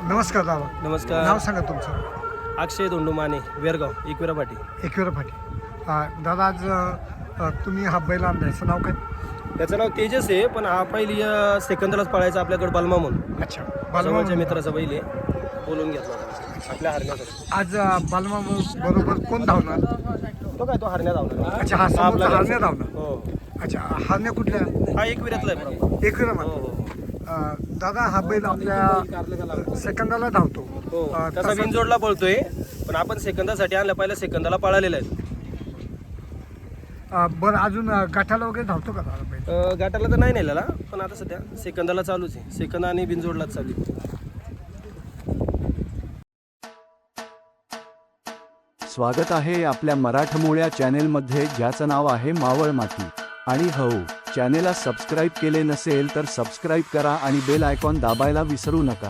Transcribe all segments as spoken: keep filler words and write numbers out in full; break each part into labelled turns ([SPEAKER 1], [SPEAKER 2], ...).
[SPEAKER 1] नमस्कार दादा.
[SPEAKER 2] नमस्कार.
[SPEAKER 1] नाव सांगा तुमचं.
[SPEAKER 2] अक्षय धोंडू माने, वेरगाव, एकविरा पाटी.
[SPEAKER 1] एकविरा फाटी. अं, दादा आज अं, तुम्ही हा बैल आणला, याचं नाव काय?
[SPEAKER 2] त्याचं नाव तेजस आहे, पण हा पहिली अं, सेकंदलाच पळायचा आपल्याकडे बलमा म्हणून.
[SPEAKER 1] अच्छा,
[SPEAKER 2] जवळच्या
[SPEAKER 1] बालमा
[SPEAKER 2] मित्राचा बैल आहे, बोलून घेतला होता आपल्या हरण्यासाठी.
[SPEAKER 1] आज अं, बालमा बरोबर कोण धावणार?
[SPEAKER 2] तो काय तो हरण्या धावणार.
[SPEAKER 1] अच्छा, हा समोरचा
[SPEAKER 2] आपल्या
[SPEAKER 1] हरण्या धावणार.
[SPEAKER 2] हो,
[SPEAKER 1] अच्छा, हरण्या कुठल्या?
[SPEAKER 2] हा एकविरातला आहे बरोबर.
[SPEAKER 1] एकविरा
[SPEAKER 2] हो
[SPEAKER 1] मध्ये.
[SPEAKER 2] हो
[SPEAKER 1] अं, दादा हा बैल आपल्या सेकंदाला धावतो.
[SPEAKER 2] हो.
[SPEAKER 1] अं,
[SPEAKER 2] तसा
[SPEAKER 1] तसं-
[SPEAKER 2] बिनजोडला पळतोय, पण आपण सेकंदासाठी आणला, पहिल्या सेकंदाला पळालेला आहे.
[SPEAKER 1] अं, बरं, अजून अं, गाठाला वगैरे धावतो का दादा बैल?
[SPEAKER 2] अं, गाठाला तर नाही नेलेला, पण आता सध्या सेकंदाला चालूच आहे. सेकंद आणि बिनजोडलाच चालू आहे.
[SPEAKER 3] स्वागत आहे आपल्या मराठमोळ्या चॅनेलमध्ये, ज्याचं नाव आहे मावळ माती. आणि हो, चॅनेलला सबस्क्राईब केले नसेल तर सबस्क्राईब करा आणि बेल आयकॉन दाबायला विसरू नका.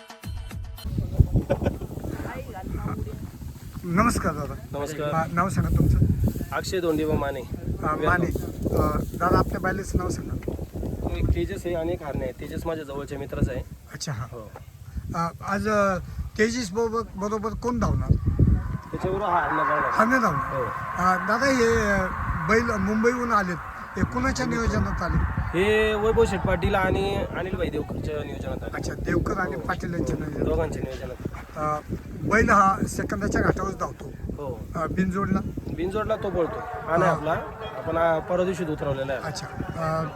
[SPEAKER 1] नमस्कार दादा.
[SPEAKER 2] नमस्कार.
[SPEAKER 1] अं, नाव सांगा तुमचं.
[SPEAKER 2] अक्षय धोंडीबा माने.
[SPEAKER 1] अं, माने. अं, दादा आपल्या बैलाचं नाव सांगा.
[SPEAKER 2] तो एक तेजस आहे आणि एक हरणे आहे. तेजस माझ्या जवळच्या मित्राचा आहे.
[SPEAKER 1] अच्छा, हा.
[SPEAKER 2] हो.
[SPEAKER 1] अं, आज अं, तेजस बरोबर बरोबर कोण धावणार?
[SPEAKER 2] त्याच्याबरोबर हा हरणे पळणार.
[SPEAKER 1] हरणे धावणार.
[SPEAKER 2] हो.
[SPEAKER 1] अं, दादा हे अं, बैल मुंबईहून आलेत, हे कुणाच्या नियोजनात आले?
[SPEAKER 2] हे वैभव शेठ पाटील आणि अनिल भाई देवकरच्या नियोजनात आहे.
[SPEAKER 1] अच्छा, देवकर आणि
[SPEAKER 2] हो.
[SPEAKER 1] पाटील यांच्या नियोजनात.
[SPEAKER 2] दोघांच्या नियोजनात.
[SPEAKER 1] अं, बैल हा सेकंदाच्या घाटावर धावतो.
[SPEAKER 2] हो.
[SPEAKER 1] अं, बिनजोडला.
[SPEAKER 2] बिनजोडला तो पळतो. हा नाही
[SPEAKER 1] हा.
[SPEAKER 2] आपला, आपण हा परवा दिवशी उतरवलेला आहे.
[SPEAKER 1] अच्छा, अं,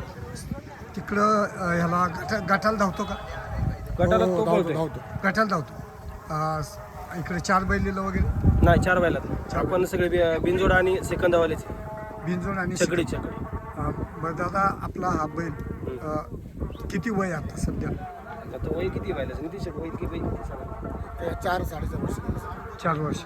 [SPEAKER 1] तिकडं अं, ह्याला गाठा गाठाला धावतो का?
[SPEAKER 2] गटाला
[SPEAKER 1] हो,
[SPEAKER 2] तो पळतोय.
[SPEAKER 1] गाठाला धावतो. अं, इकडे चार बैलीला वगैरे
[SPEAKER 2] नाही, चार बैलात आपण सगळे बि- बिनजोड आणि सेकंदावालेच आहे.
[SPEAKER 1] बिनजोड आणि
[SPEAKER 2] चकडी
[SPEAKER 1] शिकड.
[SPEAKER 2] चकडी.
[SPEAKER 1] अं, बरं दादा, आपला हा बैल अं, किती वय आता सध्या?
[SPEAKER 2] आता वय किती बैलाचं नितीश शेठ, वय किती वय किती सांगा?
[SPEAKER 1] चार साडेचार वर्ष. चार वर्ष.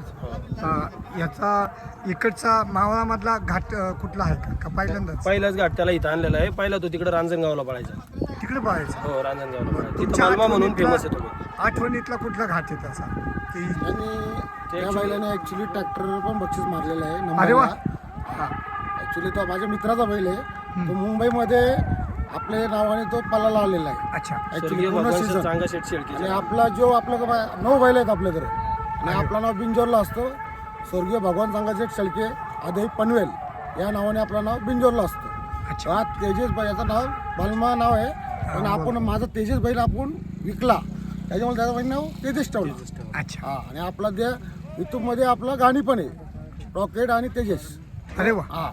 [SPEAKER 2] हो.
[SPEAKER 1] याचा इकडचा मावळामधला घाट अं, कुठला आहे का? का पहिल्यांदाच
[SPEAKER 2] पहिलाच घाट त्याला इथं आणलेला आहे. पहिला तो तिकडे रांजणगावला पळायचा.
[SPEAKER 1] तिकडे पाहायचं?
[SPEAKER 2] हो, रांजणगावला पळायचा. तिथं
[SPEAKER 1] तुमच्या
[SPEAKER 2] मालमा म्हणून
[SPEAKER 1] आठवणीतला-
[SPEAKER 2] फेमस आहे तो.
[SPEAKER 1] आठवणीतला कुठला घाट आहे त्याचा? की
[SPEAKER 4] आणि त्या
[SPEAKER 2] actually-
[SPEAKER 4] बैलाने ऍक्च्युली ट्रॅक्टर पण बक्षीस मारलेलं आहे.
[SPEAKER 1] अरे वा.
[SPEAKER 4] नंबरला.
[SPEAKER 1] हा.
[SPEAKER 4] ऍक्च्युली तो माझ्या मित्राचा बैल आहे. तो मुंबईमध्ये आपल्या नावाने तो पलाला आलेला आहे.
[SPEAKER 1] अच्छा.
[SPEAKER 4] ऍक्च्युली
[SPEAKER 2] स्वर्गीय
[SPEAKER 4] पूर्ण
[SPEAKER 2] भगवान
[SPEAKER 4] सीझन.
[SPEAKER 2] चांगा शेठ शेळकी.
[SPEAKER 4] आणि आपला जो आपला नऊ बैल आहेत आपल्याकडे आणि आपलं नाव बिंजोरला असतो. स्वर्गीय भगवान चांगाशेठ शेळके आदई पनवेल या नावाने आपलं नाव बिंजोरला असतं.
[SPEAKER 1] अच्छा.
[SPEAKER 4] हा तेजस बैल, याचं नाव बालमा नाव आहे, पण आपण माझा तेजस बैल आपण विकला, त्याच्यामुळे त्याचं बैल नाव तेजस ठेवलं.
[SPEAKER 1] अच्छा.
[SPEAKER 4] हा, आणि आपला त्या युट्यूबमध्ये आपलं गाणी पण आहे, रॉकेट आणि तेजस.
[SPEAKER 1] अरे वा.
[SPEAKER 4] हा,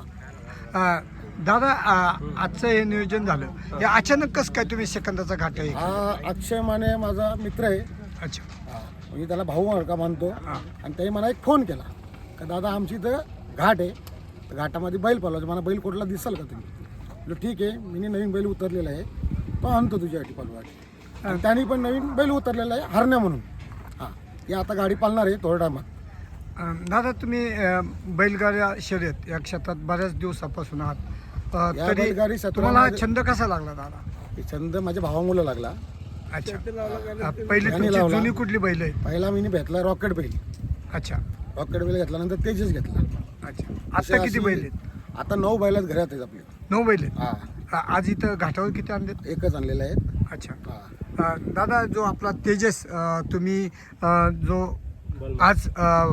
[SPEAKER 1] अं, दादा, अं, आजचं हे नियोजन झालं, हे अचानक कसं काय तुम्ही सेकंदाचा घाट आहे?
[SPEAKER 4] हा अक्षय माने माझा मित्र आहे.
[SPEAKER 1] अच्छा.
[SPEAKER 4] हा, मी त्याला भाऊ म्हणून का मानतो.
[SPEAKER 1] हा.
[SPEAKER 4] आणि त्याने मला एक फोन केला का दादा आमची इथं घाट आहे, तर घाटामध्ये बैल पळवायचं, मला बैल कुठला दिसाल का तुम्ही? म्हटलं ठीक आहे, मी नवीन बैल उतरलेला आहे, तो आणतो तुझ्यासाठी पळवायची. आणि त्याने पण नवीन बैल उतरलेला आहे हरण्या म्हणून. हां, ही आता गाडी पाळणार आहे थोड्या टायमात.
[SPEAKER 1] अं, दादा, तुम्ही अं, बैलगाड्या शर्यत या क्षेत्रात बऱ्याच दिवसापासून आहात. अं,
[SPEAKER 4] या
[SPEAKER 1] तरी
[SPEAKER 4] बैलगाडी क्षेत्रामध्ये-
[SPEAKER 1] तुम्हाला हा छंद कसा लागला दादा?
[SPEAKER 4] हे छंद माझ्या भावामुळे लागला.
[SPEAKER 1] अच्छा. अं, पहिली
[SPEAKER 4] यांनी
[SPEAKER 1] तुमची
[SPEAKER 4] लावला.
[SPEAKER 1] जुनी कुठली बैल आहे?
[SPEAKER 4] पहिला मी घेतला रॉकेट बैल.
[SPEAKER 1] अच्छा.
[SPEAKER 4] रॉकेट बैल घेतल्यानंतर तेजस घेतला.
[SPEAKER 1] अच्छा.
[SPEAKER 4] असे
[SPEAKER 1] आता किती
[SPEAKER 4] अशी-
[SPEAKER 1] बैल आहेत?
[SPEAKER 4] आता नऊ बैलात घरात आहेत आपले.
[SPEAKER 1] नऊ बैल आहेत.
[SPEAKER 4] हा,
[SPEAKER 1] अं, आज इथं घाटावर किती आणलेत?
[SPEAKER 4] एकच आणलेले आहेत.
[SPEAKER 1] अच्छा.
[SPEAKER 4] हा.
[SPEAKER 1] अं, दादा, जो आपला तेजस अं, तुम्ही अं, जो
[SPEAKER 2] बलमा.
[SPEAKER 1] आज अं,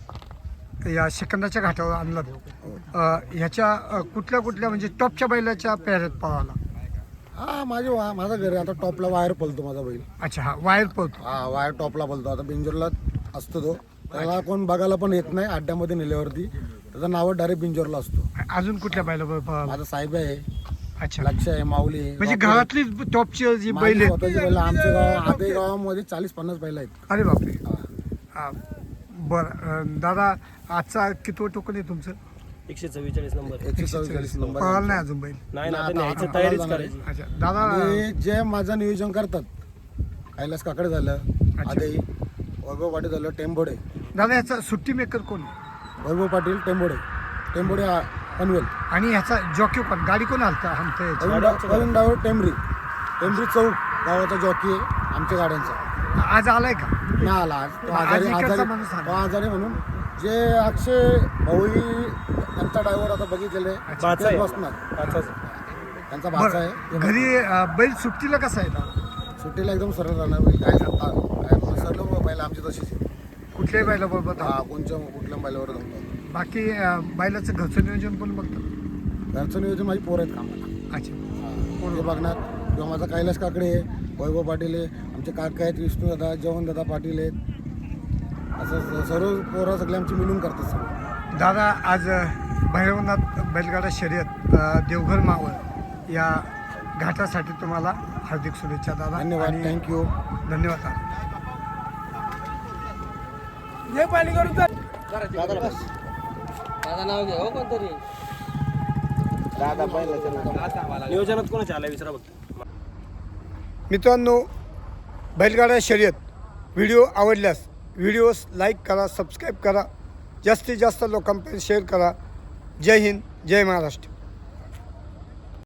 [SPEAKER 1] या सेकंदाच्या घाटावर आणला, अं, ह्याच्या अं, कुठल्या कुठल्या म्हणजे टॉपच्या बैलाच्या पेऱ्यात पळाला?
[SPEAKER 4] हा, माझे वा माझं घर आहे. आता टॉपला वायर पळतो माझा बैल.
[SPEAKER 1] अच्छा. हा वायर पळतो.
[SPEAKER 4] हा, वायर टॉपला पळतो. आता बिंजोरला असतो तो. त्याला कोण बघायला पण येत नाही अड्ड्यामध्ये नेल्यावरती. त्याचं नाव डायरेक्ट बिंजोरला असतो.
[SPEAKER 1] अजून कुठल्या बैलावर पळाला?
[SPEAKER 4] माझा साहेब आहे,
[SPEAKER 1] अच्छा.
[SPEAKER 4] लक्ष आहे, माऊली आहे.
[SPEAKER 1] म्हणजे
[SPEAKER 4] रॉकेट.
[SPEAKER 1] घरातली टॉपची जी
[SPEAKER 4] माझी
[SPEAKER 1] बैल आहेत.
[SPEAKER 4] स्वतःची बैल आमच्या गाव आदे गावामध्ये चाळीस पन्नास बैल आहेत.
[SPEAKER 1] अरे बापरे.
[SPEAKER 4] हा.
[SPEAKER 1] हा. बरं. अं, दादा, आजचा कितवं टोकन आहे तुमचं?
[SPEAKER 2] एकशे चव्वेचाळीस नंबर.
[SPEAKER 4] एकशे चव्वेचाळीस नंबर
[SPEAKER 1] पळाला
[SPEAKER 4] आहे.
[SPEAKER 1] नाही अजून बैल?
[SPEAKER 2] नाही ना,
[SPEAKER 4] आता-
[SPEAKER 2] आता न्यायचं
[SPEAKER 4] आता
[SPEAKER 2] तयारीच
[SPEAKER 4] जाणार
[SPEAKER 2] करायची.
[SPEAKER 1] अच्छा. दादा,
[SPEAKER 4] आणि जे माझं नियोजन करतात, कैलास काकडे झालं,
[SPEAKER 1] अच्छा.
[SPEAKER 4] आदई वैभव पाटील झालं, टेंबोडे.
[SPEAKER 1] दादा, ह्याचा सुट्टी मेकर कोण?
[SPEAKER 4] वैभव पाटील टेंबोडे. टेंबोडे आ- पनवेल.
[SPEAKER 1] आणि ह्याचा जॉकी कोण? गाडी कोण हलता हलता याची?
[SPEAKER 4] करून डाव- करून डावर टेंबरी. टेंबरी चौक गावाचा जॉकी आहे आमच्या गाड्यांचा.
[SPEAKER 1] आज आलाय का?
[SPEAKER 4] ना आला आज. तो
[SPEAKER 1] आज
[SPEAKER 4] आजारी
[SPEAKER 1] इकडचा
[SPEAKER 4] आजारी
[SPEAKER 1] माणूस आला.
[SPEAKER 4] तो आजारी म्हणून जे अक्षय भाऊही त्यांचा ड्रायव्हर आता बघितलेले
[SPEAKER 2] बाचा
[SPEAKER 4] तेच
[SPEAKER 2] आहे.
[SPEAKER 4] बसणार.
[SPEAKER 2] बाचाच.
[SPEAKER 4] त्यांचा भाचा आहे.
[SPEAKER 1] बरं.
[SPEAKER 4] ते
[SPEAKER 1] घरी अं, बैल सुट्टीला कसा आहे दादा?
[SPEAKER 4] सुट्टीला एकदम सरळ राहणार बैल. काय सांगता काय बैल आमची तशीच आहे.
[SPEAKER 1] कुठल्याही बैलाबरोबर धावतो.
[SPEAKER 4] हा कोणच्या कुठल्या बैलावर जमतो.
[SPEAKER 1] बाकी अ, बैलाचं घरचं नियोजन पण बघतो.
[SPEAKER 4] घरचं नियोजन माझी पोर आहेत कामाला.
[SPEAKER 1] अच्छा.
[SPEAKER 4] ते बघणार किंवा माझा कैलास काकडे आहे, वैभव पाटील आहे, आमचे काका आहेत विष्णू दादा, जवन दादा पाटील आहेत. असं स- सर्व पोरं सगळे आमची मिळून करतात सगळं.
[SPEAKER 1] दादा आज अ, भैरवनाथ बैलगाडा शर्यत अ, देवघर मावळ या घाटासाठी तुम्हाला हार्दिक शुभेच्छा दादा.
[SPEAKER 4] धन्यवाद,
[SPEAKER 1] आणि
[SPEAKER 4] थँक्यू.
[SPEAKER 1] धन्यवाद दादा.
[SPEAKER 2] नियोजनात कोणाच्या आला विचारा बघ.
[SPEAKER 1] मित्रांनो, बैलगाडा शर्यत व्हिडिओ आवडल्यास व्हिडिओस लाईक करा, सबस्क्राईब करा, जास्तीत जास्त लोकांपर्यंत शेअर करा. जय हिंद, जय महाराष्ट्र.